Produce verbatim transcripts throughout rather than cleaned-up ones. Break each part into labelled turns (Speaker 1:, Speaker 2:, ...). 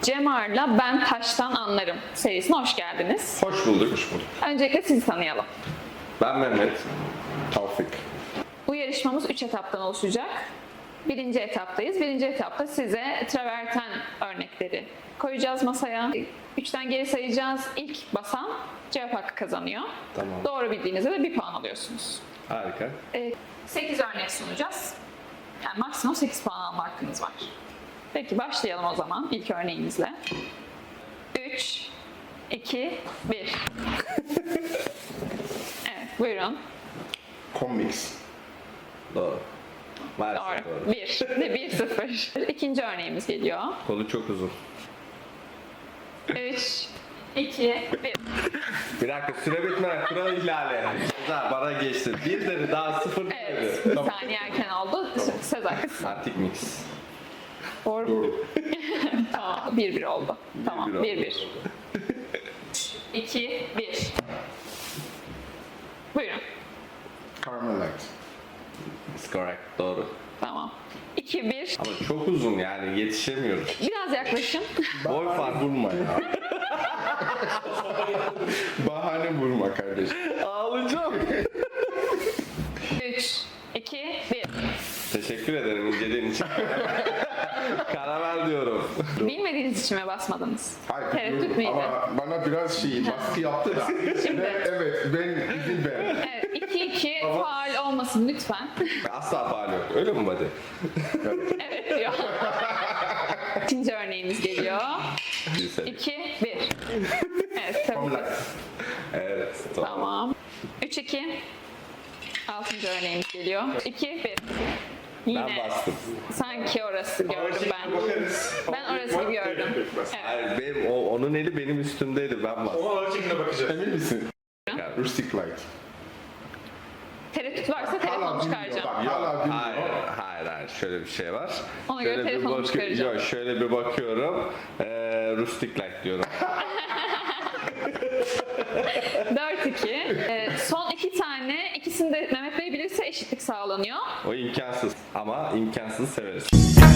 Speaker 1: Cemar'la Ben Taştan Anlarım serisine hoş geldiniz.
Speaker 2: Hoş bulduk. Hoş bulduk.
Speaker 1: Öncelikle sizi tanıyalım.
Speaker 2: Ben Mehmet. Tavfik.
Speaker 1: Bu yarışmamız üç etaptan oluşacak. Birinci etaptayız. Birinci etapta size traverten örnekleri koyacağız masaya. Üçten geri sayacağız. İlk basan cevap hakkı kazanıyor.
Speaker 2: Tamam.
Speaker 1: Doğru bildiğinizde de bir puan alıyorsunuz.
Speaker 2: Harika.
Speaker 1: sekiz örnek sunacağız. Yani maksimum sekiz puan alma hakkınız var. Peki başlayalım o zaman ilk örneğimizle. üç, iki, bir. Evet, buyurun.
Speaker 2: Comics. Doğru. Maalesef
Speaker 1: Doğru.
Speaker 2: doğru.
Speaker 1: bir. Ne bir sıfır. İkinci örneğimiz geliyor.
Speaker 2: Kolu çok uzun.
Speaker 1: üç, iki, bir.
Speaker 2: Bir dakika süre bitmeden kural ihlali. Güzel bana geçti. Bir dedi daha sıfır
Speaker 1: Evet,
Speaker 2: dedi.
Speaker 1: bir saniye erken oldu. Söz hakkı.
Speaker 2: Antik mix.
Speaker 1: Doğru.
Speaker 2: Doğru.
Speaker 1: Tamam, bir bir oldu. Tamam,
Speaker 2: bir oldu.
Speaker 1: bir bir. iki, bir. Buyurun.
Speaker 3: Carmelite.
Speaker 2: It's correct. Doğru.
Speaker 1: Tamam. iki, bir.
Speaker 2: Ama çok uzun yani yetişemiyoruz.
Speaker 1: Biraz yaklaşın.
Speaker 2: Boy fark.
Speaker 3: Vurma ya. Bahane vurma kardeşim.
Speaker 2: Ağlayacağım.
Speaker 1: üç, iki, bir.
Speaker 2: Teşekkür ederim inceliğin için. Karamel diyorum.
Speaker 1: Bilmediğiniz için mi basmadınız?
Speaker 3: Hayır
Speaker 1: Tereddüt
Speaker 3: biliyorum
Speaker 1: müydü?
Speaker 3: ama bana biraz şey baskı yaptı da.
Speaker 1: Şimdi.
Speaker 3: Ben- evet ben izin ver.
Speaker 1: Evet, iki iki faal olmasın lütfen.
Speaker 2: Asla faal yok. Öyle mi buddy?
Speaker 1: Evet diyor. İkinci örneğimiz geliyor.
Speaker 2: Bir sene.
Speaker 1: iki, bir. Evet, tabii ki.
Speaker 2: Evet. Tamam.
Speaker 1: Tamam. üç, iki. Altıncı örneğimiz geliyor. iki, bir.
Speaker 2: Ben
Speaker 1: Yine
Speaker 2: bastım.
Speaker 1: sanki orası gördüm ben. Ben orası gibi gördüm. Evet.
Speaker 2: Hayır, benim, o, onun eli benim üstümdeydi. Ben bastım.
Speaker 4: O ağır şekilde bakacağız.
Speaker 3: Emin misin?
Speaker 2: Yani,
Speaker 3: Rustic light.
Speaker 1: Tereddüt varsa telefonu
Speaker 3: Hala bilmiyor
Speaker 1: çıkaracağım.
Speaker 3: bak. Hala bilmiyor.
Speaker 2: hayır, hayır, hayır. Şöyle bir şey var.
Speaker 1: Ona göre
Speaker 2: Şöyle bir
Speaker 1: telefonumu
Speaker 2: bakı-
Speaker 1: çıkaracağım.
Speaker 2: Yok, şöyle bir bakıyorum. Ee, rustic light diyorum.
Speaker 1: dört iki. Ee, son iki tane, ikisini de Mehmet Bey bilirse eşitlik sağlanıyor.
Speaker 2: O imkansız. Ama imkansız severiz.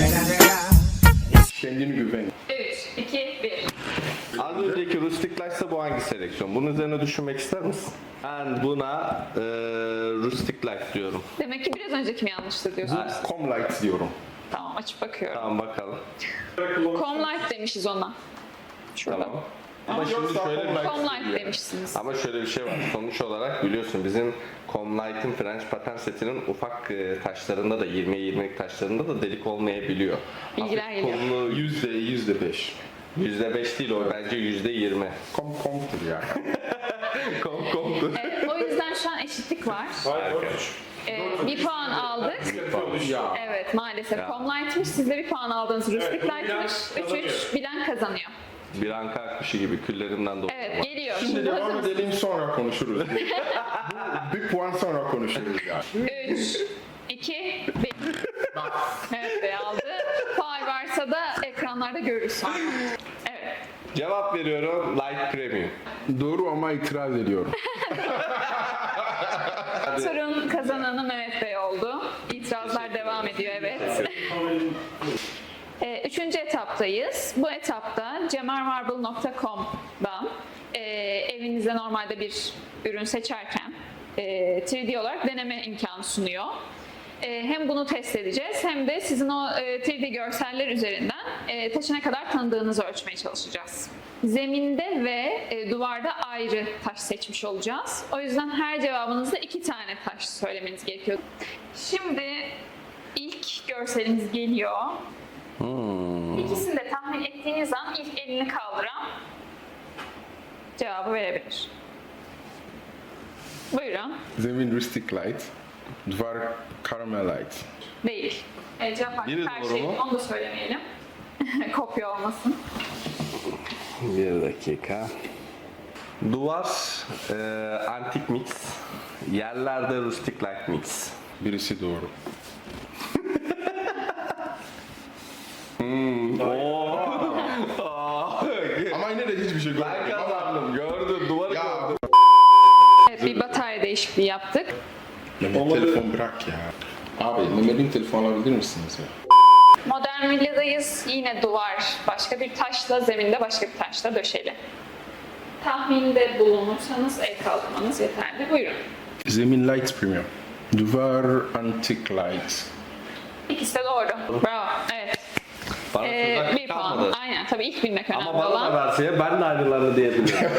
Speaker 3: Kendini güven.
Speaker 1: üç, iki, bir.
Speaker 2: Az önceki rustic light ise bu hangi seleksiyon? Bunun üzerine düşünmek ister misin? Ben buna ee, rustic light diyorum.
Speaker 1: Demek ki biraz önceki mi yanlıştı diyorsunuz?
Speaker 3: Com light diyorum.
Speaker 1: Tamam, açıp bakıyorum.
Speaker 2: Tamam bakalım.
Speaker 1: Comlight demişiz ona. Şurada.
Speaker 2: Tamam. Ama şimdi
Speaker 3: Yoksa
Speaker 2: şöyle bir
Speaker 3: Comlight
Speaker 1: Comlight demişsiniz.
Speaker 2: Ama şöyle bir şey var. Sonuç olarak biliyorsun bizim Comlight'ın French pattern setinin ufak e, taşlarında da yirmiye yirmilik taşlarında da delik olmayabiliyor.
Speaker 1: Bilgiler
Speaker 2: Hafif
Speaker 1: geliyor.
Speaker 2: kollu
Speaker 3: Yüzde yüzde beş.
Speaker 2: yüzde beş değil o bence yüzde yirmi.
Speaker 3: Com com'tur yani.
Speaker 2: Kom komdu.
Speaker 1: Ee, o yüzden şu an eşitlik var.
Speaker 4: Hayır, dört üç.
Speaker 1: Ee, bir puan aldık.
Speaker 3: Ya.
Speaker 1: Evet, maalesef.
Speaker 2: Ya.
Speaker 1: Comlight'mış, siz de bir puan aldınız. Rustic
Speaker 4: Evet,
Speaker 1: Light'mış.
Speaker 4: bilen
Speaker 1: üç üç, bilen kazanıyor.
Speaker 2: Bir anka akmışı gibi küllerimden dolayı.
Speaker 1: Evet, geliyor.
Speaker 3: Şimdi
Speaker 1: Şimdi hazır
Speaker 3: devam
Speaker 1: mısınız?
Speaker 3: edelim sonra konuşuruz. Bu, bir puan sonra konuşuruz yani.
Speaker 1: üç, iki, bir. Evet Bey aldı. Faal varsa da ekranlarda görürüz sonra. Evet.
Speaker 2: Cevap veriyorum Light Premium.
Speaker 3: Doğru ama itiraz ediyorum.
Speaker 1: Turun kazananı Mehmet Bey oldu. İtirazlar devam ediyor, evet. Ee, Üçüncü etaptayız. Bu etapta cemarmarble nokta com'dan e, evinizde normalde bir ürün seçerken e, üç D olarak deneme imkanı sunuyor. E, hem bunu test edeceğiz hem de sizin o e, üç D görseller üzerinden e, taşı ne kadar tanıdığınızı ölçmeye çalışacağız. Zeminde ve e, duvarda ayrı taş seçmiş olacağız. O yüzden her cevabınızda iki tane taş söylemeniz gerekiyor. Şimdi ilk görselimiz geliyor. İkisini de tahmin ettiğiniz an ilk elini kaldıran cevabı verebilir. Buyurun.
Speaker 3: Zemin rustic light. Duvar Carmelite.
Speaker 1: Değil. E, cevap hakkı
Speaker 2: Biri
Speaker 1: her
Speaker 2: doğru
Speaker 1: şey.
Speaker 2: mu?
Speaker 1: Onu da söylemeyelim. Kopya olmasın.
Speaker 2: Bir dakika. Duvar e, antik mix. Yerlerde rustic light mix.
Speaker 3: Birisi doğru. Ama yine de hiçbir şey
Speaker 2: Ben
Speaker 3: görmedim. Ama
Speaker 2: kazandım. Gördüm. Duvarı
Speaker 3: Ya.
Speaker 2: gördüm.
Speaker 1: Evet, bir batarya değişikliği yaptık.
Speaker 3: Mehmet telefon bırak ya. Abi Mehmet'in telefonu alabilir misiniz ya?
Speaker 1: Modern Bougainvillea'dayız. Yine duvar başka bir taşla, zeminde başka bir taşla döşeli. Tahminde bulunursanız el kaldırmanız yeterli. Buyurun.
Speaker 3: Zemin light premium. Duvar antique light.
Speaker 1: İkisi de doğru. Bravo. Evet.
Speaker 2: Bana
Speaker 1: Ee,
Speaker 2: tuzak
Speaker 1: bir puan.
Speaker 2: kalmadı.
Speaker 1: Aynen. Tabii ilk bilmek önemli
Speaker 2: Ama bana da
Speaker 1: olan.
Speaker 2: verse ya ben de aynılarını diyebilirim.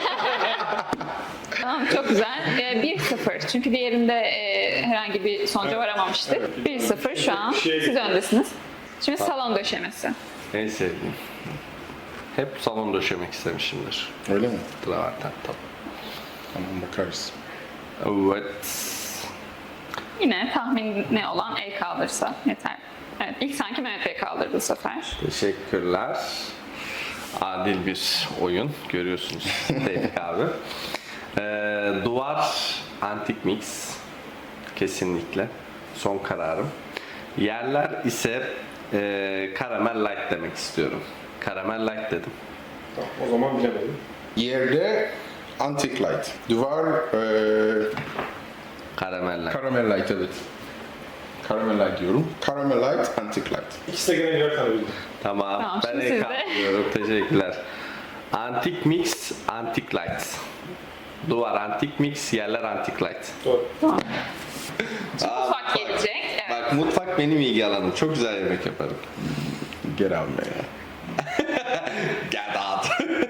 Speaker 1: Tamam, çok güzel. Ee, bir sıfır. Çünkü diğerinde e, herhangi bir sonuca varamamıştık. bir sıfır şu an. Siz öndesiniz. Şimdi salon döşemesi.
Speaker 2: En sevdiğim. Hep salon döşemek istemişimdir.
Speaker 3: Öyle mi?
Speaker 2: Traverten tabii.
Speaker 3: Tamam bakarız.
Speaker 2: Evet.
Speaker 1: Yine tahmini olan el kaldırsa yeter. Evet, ilk sanki Mehmet Bey kaldırdı bu sefer.
Speaker 2: Teşekkürler. Adil bir oyun. Görüyorsunuz Tevfik abi. Ee, duvar antik mix. Kesinlikle. Son kararım. Yerler ise e, karamel light demek istiyorum. Karamel light dedim.
Speaker 4: Tamam, o zaman bilemedim.
Speaker 3: Yerde antique light. Duvar eee
Speaker 2: Karamel light.
Speaker 3: caramel light evet. Caramel light diyorum. Caramel light, antique light.
Speaker 4: İkisi de gene birer tane bildi.
Speaker 2: Tamam.
Speaker 1: Tamam,
Speaker 2: ben
Speaker 1: şimdi
Speaker 2: el
Speaker 1: siz de.
Speaker 2: kaldırıyorum. Teşekkürler. Antik mix, antik light. Duvar antik mix, yerler antik light.
Speaker 4: Doğru.
Speaker 1: Tamam.
Speaker 2: Aa,
Speaker 1: Mutfak gelecek. Evet.
Speaker 2: Bak mutfak benim ilgi alanım. Çok güzel yemek yaparım.
Speaker 3: Get out man.
Speaker 2: Get out.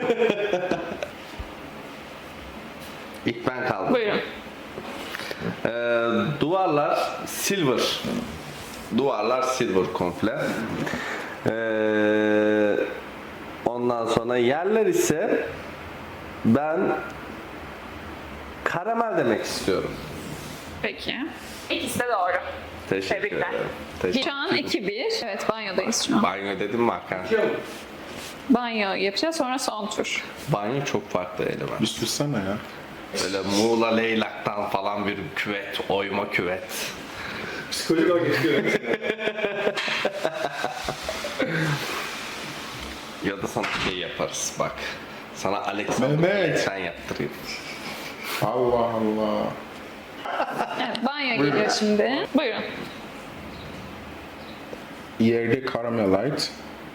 Speaker 2: İlk ben kaldım.
Speaker 1: Buyurun.
Speaker 2: Ee, duvarlar silver. Duvarlar silver komple. Ee, ondan sonra yerler ise ben karamel demek istiyorum.
Speaker 1: Peki. İkisi de doğru.
Speaker 2: Teşekkür
Speaker 1: Tebrikler.
Speaker 2: ederim. Teşekkür
Speaker 1: Şu an iki bir. Evet, banyodayız şu an.
Speaker 2: Banyo dedim mi Hakan?
Speaker 1: Banyo yapacağız, sonra son tur.
Speaker 2: Banyo çok farklı element.
Speaker 3: Bir sussana ya.
Speaker 2: Böyle Muğla Leylak'tan falan bir küvet, oyma küvet.
Speaker 4: Psikolojik olarak geçiyor.
Speaker 2: Ya da sana şey yaparız bak. Sana Alex
Speaker 3: Mehmet.
Speaker 2: sen yaptırayım.
Speaker 3: Allah Allah.
Speaker 1: Evet, banyo geliyor şimdi. Buyurun.
Speaker 3: Yerde caramel light.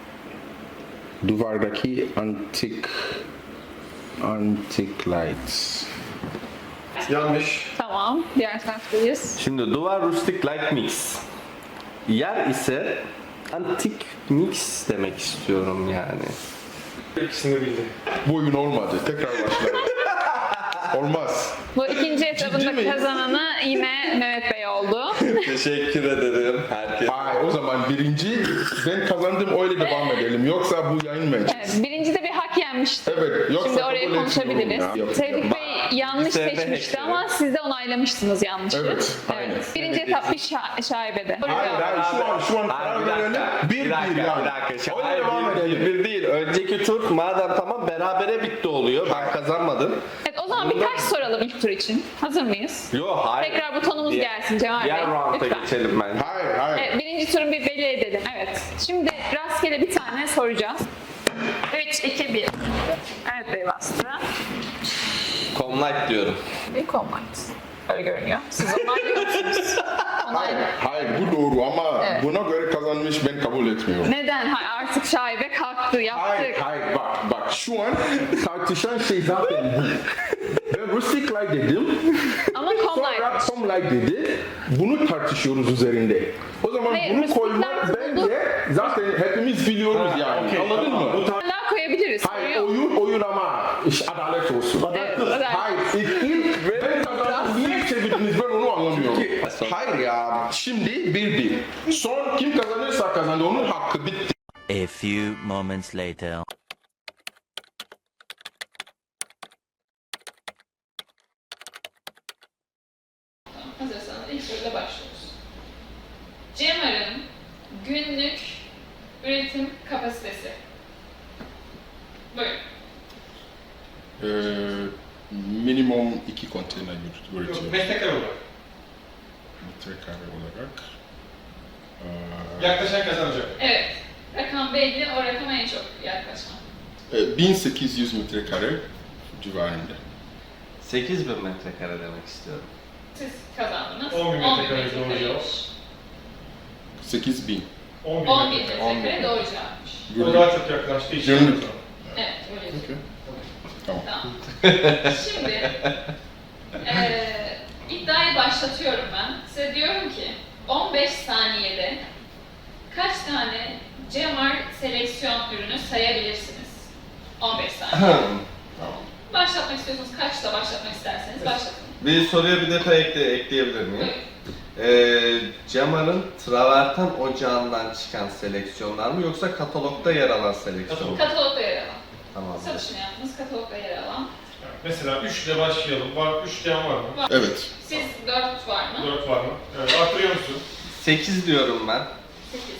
Speaker 3: Duvardaki antique antique light.
Speaker 4: Yanlış.
Speaker 1: Tamam, diğer taraftayız.
Speaker 2: Şimdi duvar rustic light mix. Yer ise antik mix demek istiyorum yani.
Speaker 4: İkisini de bildi.
Speaker 3: Bu oyun olmadı. Tekrar başlayalım. Olmaz.
Speaker 1: Bu ikinci etabında
Speaker 3: miyiz?
Speaker 1: kazananı yine Mehmet Bey oldu.
Speaker 2: Teşekkür ederim herkese.
Speaker 3: Hayır o zaman birinci ben kazandım öyle devam edelim. Yoksa bu yayınmayacak.
Speaker 1: Evet, birinci de bir hak yenmişti.
Speaker 3: Evet, yoksa
Speaker 1: Şimdi oraya
Speaker 3: kabul
Speaker 1: konuşabiliriz.
Speaker 3: etmiyorum ya.
Speaker 1: Tevfik Bey yanlış
Speaker 2: Bir sefer
Speaker 1: seçmişti
Speaker 2: hepsi.
Speaker 1: ama siz de onaylamıştınız yanlışı.
Speaker 3: Evet, aynen.
Speaker 1: Birinci etap bir şa- şaibede. Doğru
Speaker 3: Hayır
Speaker 1: cevap.
Speaker 3: hayır şu an şu an
Speaker 2: Hayır,
Speaker 3: karar
Speaker 2: bir
Speaker 3: verelim.
Speaker 2: dakika,
Speaker 3: Bir bir
Speaker 2: dakika,
Speaker 3: yani.
Speaker 2: bir dakika.
Speaker 3: Öyle
Speaker 2: Hayır,
Speaker 3: devam
Speaker 2: bir,
Speaker 3: edelim.
Speaker 2: bir, bir değil. Önceki tur madem tamam berabere bitti oluyor. Ben kazanmadım.
Speaker 1: Evet, o zaman birkaç soralım ilk tur için. Hazır mıyız?
Speaker 2: Yo hayır.
Speaker 1: Tekrar butonumuz
Speaker 2: Diğer-
Speaker 1: gelsin Cemal Bey.
Speaker 2: Diğer round'a
Speaker 1: Lütfen.
Speaker 2: geçelim bence.
Speaker 3: Hayır hayır.
Speaker 1: Evet, birinci turu bir belli edelim. Evet. Şimdi rastgele bir tane soracağız. üç, iki, bir. Evet Bey bastı.
Speaker 2: Comlight diyorum.
Speaker 1: Bir combat. Öyle görünüyor. Siz onaylıyor musunuz?
Speaker 3: Hayır,
Speaker 1: Onaylı.
Speaker 3: hayır bu doğru ama
Speaker 1: Evet.
Speaker 3: buna göre kazanmış ben kabul etmiyorum.
Speaker 1: Neden? Ha, artık şaibe kalktı, yaptık.
Speaker 3: Hayır, hayır bak bak şu an tartışan şey zaten bu. Ben rustic light dedim,
Speaker 1: Ama
Speaker 3: sonra
Speaker 1: combat.
Speaker 3: some light dedi. Bunu tartışıyoruz üzerinde. O zaman
Speaker 1: Hayır,
Speaker 3: bunu
Speaker 1: rustic
Speaker 3: koymak
Speaker 1: light
Speaker 3: bence zaten hepimiz biliyoruz yani.
Speaker 4: okey,
Speaker 3: Anladın
Speaker 4: tamam.
Speaker 3: mı?
Speaker 4: Bu tar-
Speaker 1: Hala koyabiliriz.
Speaker 3: Hayır
Speaker 1: Sorun yok.
Speaker 3: oyun oyun ama iş adalet olsun.
Speaker 1: Evet, adalet.
Speaker 3: Hayır ilk, ilk ben kazandım niye çevirdiniz ben onu anlamıyorum. Hayır ya şimdi bir bir. Son kim kazanırsa kazandı onun hakkı bitti.
Speaker 5: A few moments later.
Speaker 1: Hazırsanız ilk soruyla başlıyoruz. Cemar'ın günlük üretim kapasitesi. Buyurun.
Speaker 3: Ee, minimum iki konteyner üretiyor.
Speaker 4: Metrekare olarak.
Speaker 3: Metrekare olarak. Ee,
Speaker 4: Yaklaşan kazanacak.
Speaker 1: Evet. Rakam belli, o rakama en çok yaklaşan.
Speaker 3: e, bin sekiz yüz metrekare civarında.
Speaker 2: sekiz bin metrekare demek istiyorum.
Speaker 1: Siz kazandınız.
Speaker 4: on bin metrekare
Speaker 1: metrekareymiş.
Speaker 4: doğru cevap.
Speaker 3: sekiz bin.
Speaker 4: on bir
Speaker 1: on bir
Speaker 4: metre.
Speaker 1: metrekare doğru cevapmış.
Speaker 4: O daha çok yaklaştığı için.
Speaker 3: Gönül.
Speaker 1: Evet, öyle.
Speaker 3: Okey. Tamam.
Speaker 1: Tamam. Şimdi eee iddiayı başlatıyorum ben. Size diyorum ki on beş saniyede kaç tane Cemar seleksiyon ürünü sayabilirsiniz? on beş saniye. Başlatmak istiyorsanız kaçta başlatmak isterseniz başlatın.
Speaker 2: Bir soruya bir detay ekle, ekleyebilir miyim?
Speaker 1: Buyurun.
Speaker 2: Ee, Cemar'ın Traverten Ocağı'ndan çıkan seleksiyonlar mı yoksa katalogda yer alan seleksiyon mu?
Speaker 1: Katalogda yer alan.
Speaker 2: Tamam.
Speaker 1: Satışını yaptığınız katalogda yer alan.
Speaker 4: Mesela üç ile başlayalım. Var, üç diyen var mı?
Speaker 3: Evet.
Speaker 1: Siz dört var mı?
Speaker 4: dört var mı? Evet, artırıyor musun?
Speaker 2: sekiz diyorum ben.
Speaker 1: sekiz.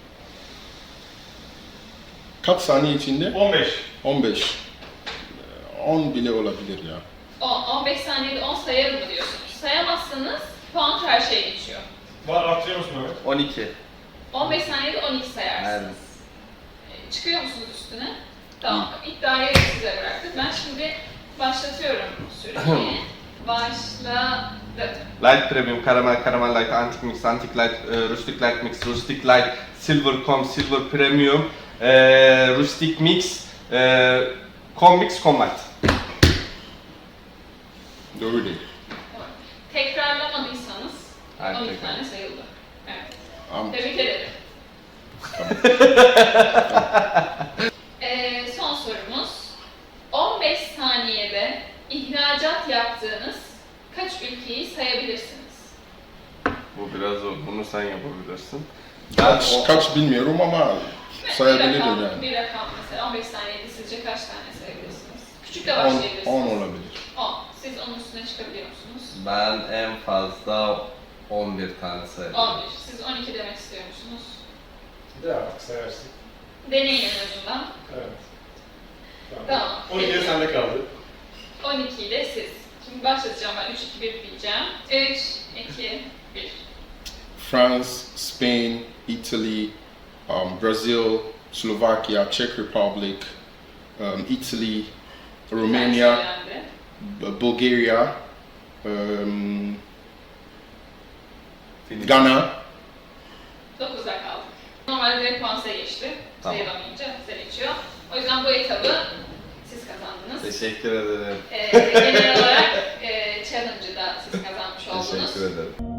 Speaker 3: Kaç saniye içinde?
Speaker 4: on beş.
Speaker 3: on beş. on bile olabilir ya.
Speaker 1: on, on beş saniyede on sayarım mı diyorsunuz? Sayamazsanız puan her şeye geçiyor.
Speaker 4: Var, artırıyor musun Mehmet?
Speaker 2: on iki.
Speaker 1: on beş saniyede on iki sayarsınız.
Speaker 2: Evet.
Speaker 1: Ee, Çıkıyor musunuz üstüne? Tamam. İddiayı size bıraktık. Ben şimdi başlatıyorum süreyi. Başladım.
Speaker 2: Light Premium, Caramel, Caramel Light, Antique Mix, Antique Light, e, Rustic Light Mix, Rustic Light, Silver Com, Silver Premium, e, Rustic Mix, e, Com Mix, Com Light.
Speaker 3: Doğru değil.
Speaker 1: Tamam. Tekrarlamadıysanız
Speaker 2: Hayır,
Speaker 1: on iki
Speaker 2: tekrar.
Speaker 1: tane sayıldı. Evet.
Speaker 3: Am-
Speaker 1: Tebrik ederim. Ee, son sorumuz. on beş saniyede ihracat yaptığınız kaç ülkeyi sayabilirsiniz?
Speaker 2: Bu biraz zor, bunu sen yapabilirsin.
Speaker 3: Kaç,
Speaker 2: o-
Speaker 3: kaç bilmiyorum ama
Speaker 1: bir
Speaker 3: sayabilirim
Speaker 1: rakam,
Speaker 3: yani.
Speaker 1: bir rakam mesela on beş saniyede sizce kaç tane sayabilirsiniz? Küçük de
Speaker 3: on,
Speaker 1: başlayabilirsiniz.
Speaker 3: on olabilir.
Speaker 1: on. Siz onun üstüne çıkabiliyor musunuz?
Speaker 2: Ben en fazla on bir tane sayarım.
Speaker 1: on bir. Siz on iki demek istiyor musunuz?
Speaker 4: De artık sayarsın.
Speaker 1: Deneyin en azından.
Speaker 4: Evet.
Speaker 1: Tamam.
Speaker 4: on ikiye sende kaldı.
Speaker 1: on iki ile siz. Şimdi başlatacağım ben. üç iki bir diyeceğim. üç iki bir.
Speaker 3: France, Spain, Italy, um, Brazil, Slovakia, Czech Republic, um, Italy, Romania,
Speaker 1: Söylendi.
Speaker 3: B- Bulgaria, um, Ghana.
Speaker 1: dokuzda kaldık. Normalde direkt puan size geçti.
Speaker 2: Tamam.
Speaker 1: Sayılamayınca size geçiyor. O yüzden bu etabı siz kazandınız.
Speaker 2: Teşekkür ederim.
Speaker 1: Ee, genel olarak e, challenge'ı da siz kazanmış oldunuz.
Speaker 2: Teşekkür ederim.